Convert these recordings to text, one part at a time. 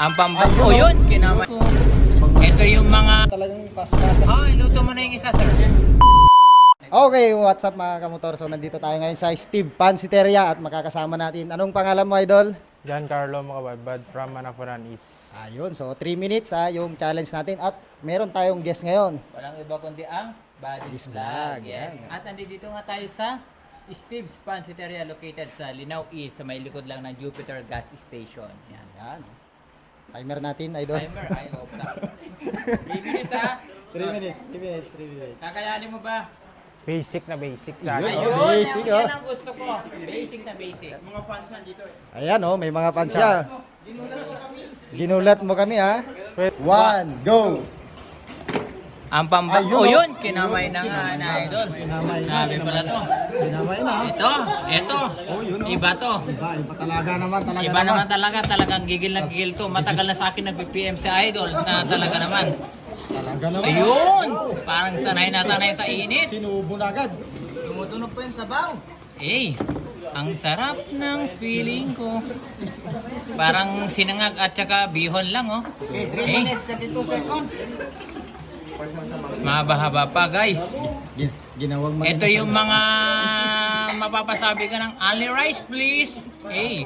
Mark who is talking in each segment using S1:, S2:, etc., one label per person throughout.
S1: Ang pambato yun, kinamay. Ito yung mga...
S2: Talagang pas-pasan.
S1: Oh, iluto mo na yung isa, sir.
S2: Okay, what's up mga kamotor? So nandito tayo ngayon sa Steve Pansiteria at makakasama natin. Anong pangalan mo, idol?
S3: Giancarlo Macabadbad from Manafuran East.
S2: Ayun, so 3 minutes yung challenge natin at meron tayong guest ngayon.
S1: Walang iba kundi ang Buddy's
S2: Buddy's Vlog,
S1: Vlog. Yes.
S2: yan.
S1: At nandito nga tayo sa Steve's Pansiteria located sa Linao East sa may likod lang ng Jupiter Gas Station. Yan.
S2: Yan. Timer natin, idol.
S1: Timer, ay, off na. 3 minutes ha?
S2: 3 minutes, 3 minutes, 3 minutes.
S1: Kakayanin mo ba?
S3: Basic na basic
S2: Yun.
S3: sa ano.
S1: Ayun,
S2: basic,
S1: yan
S2: oh.
S1: ang gusto ko. Basic na basic.
S2: Ayan may mga fans siya. Ginulat mo kami ha. 1, go!
S1: Ang pambato
S2: Ayun,
S1: yun, kinamay na nga na idol.
S2: Kinamay na,
S1: Grabe pala to.
S2: Kinamay na.
S1: Ito.
S2: Yun, oh.
S1: Iba to.
S2: Iba talaga naman,
S1: Iba naman talagang gigil na gigil to. Matagal na sa akin nag-PPM si Idol na talaga naman.
S2: Talaga naman.
S1: Ayun! Parang sanay na sanay sa init.
S2: Sinubo na agad.
S1: Tumutunog pa yung sabaw. Eh, ang sarap ng feeling ko. Parang sinangag at saka bihon lang, oh. 3 minutes, 32 seconds. Mahaba-haba pa, guys.
S2: Ginawang
S1: Ito yung mga mapapasabi ka ng only rice, please. Eh,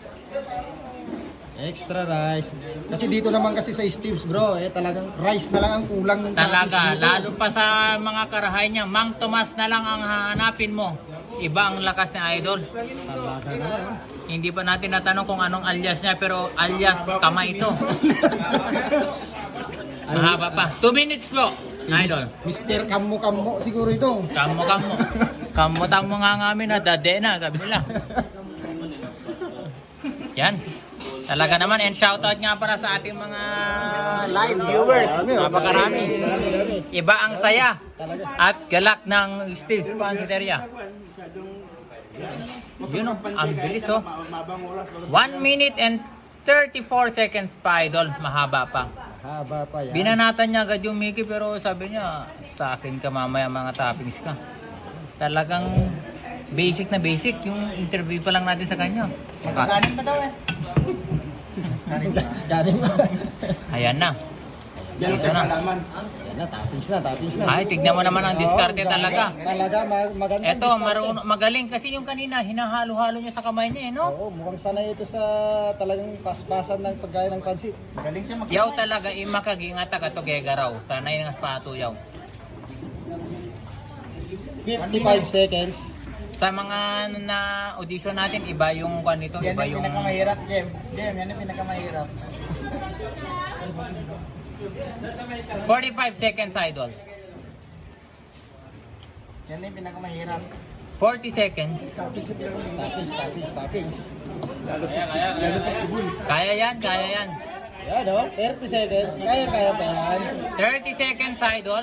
S2: extra rice. Kasi dito naman kasi sa Steve's, bro, talagang rice na lang ang kulang ng
S1: talaga. Lalo pa sa mga karahay niya, Mang Tomas na lang ang hahanapin mo. Iba ang lakas ni Idol.
S2: Talaga na.
S1: Hindi pa natin natanong kung anong alias niya, pero alias kamay ito. Mahaba pa. 2 minutes po, Idol.
S2: Mr. Kammo siguro ito.
S1: Kamo. Kamutang mo nga ngamin na dade na, sabi nila. Yan. Talaga naman, and shoutout nga para sa ating mga live viewers. Napakarami. Iba ang saya at galak ng Steve's Pansiteria. Yun oh, ang bilis oh. 1 minute and 34 seconds pa, Idol. Mahaba pa.
S2: Haba pa yan.
S1: Binanatan niya agad yung Mickey pero sabi niya, sa akin ka mamaya mga toppings ka. Talagang basic na basic yung interview pa lang natin sa kanya.
S2: Ganin pa daw Ganin pa.
S1: Ayan na. Dito na.
S2: Yan na, toppings na.
S1: Ay, tignan mo naman ang diskarte talaga.
S2: Talaga, maganda.
S1: Eto, magaling kasi yung kanina, hinahalo-halo niya sa kamay niya, eh, no?
S2: Oo, mukhang sanay ito sa talagang paspasan ng pagkain ng pansit. Magaling siya
S1: Yaw talaga, imakagingat ka to gegaraw. Sanay nga pato yaw.
S2: 55 seconds.
S1: Sa mga na audition natin, iba yung kwan nito, iba yung...
S2: Jem. Yan ang pinakamahirap.
S1: 45 seconds, Idol.
S2: Yan ang pinakamahirap.
S1: 40 seconds.
S2: Toppings.
S1: Kaya yan.
S2: Yan o, 30 seconds. Kaya pa yan.
S1: 30 seconds, Idol.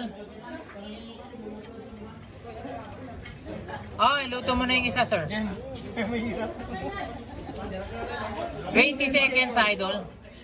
S1: Oh, iluto mo na yung isa, sir. 20 seconds, Idol.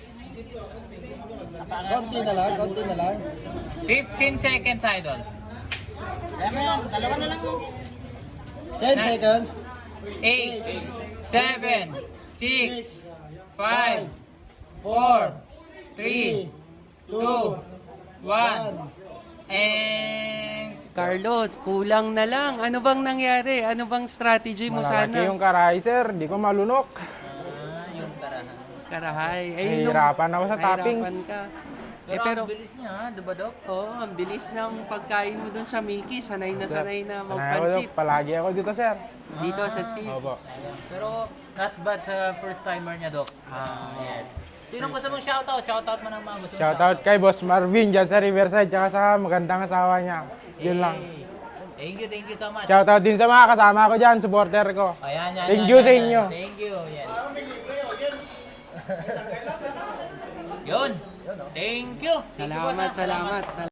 S2: Konti na lang.
S1: 15 seconds, Idol.
S2: Kaya mo yan, dalawa na lang. 10 seconds.
S1: 8, 7, 6, 5, 4, 3, 2, 1, and...
S4: Carlo, kulang na lang. Ano bang nangyari? Ano bang strategy mo
S3: Malalaki
S4: sana?
S3: yung karahay, sir. Di ko malunok.
S1: yung tarahan.
S4: Karahay.
S3: Nahihirapan ako sa toppings.
S4: Ka.
S1: Pero ang bilis niya, diba, Dok?
S4: Oo, ang bilis ng pagkain mo dun sa Mickey. Sanay na
S3: Sanay ako,
S4: magpansit.
S3: palagi ako dito, sir.
S4: Dito sa Steve.
S3: Opo.
S1: Pero not bad sa first timer niya, Dok. Yes. Sinong gusto mong shoutout? Shoutout mo ng mga gusto mong
S3: Shoutout kay Boss Marvin dyan sa Riverside, tsaka sa magandang asawa niya. Yun lang.
S1: Thank you so much.
S3: Shoutout din sa mga kasama ko dyan, supporter ko.
S1: Ayan, yan.
S3: Thank you sa inyo.
S1: Thank you. Yan. Yun. Thank you.
S4: Salamat.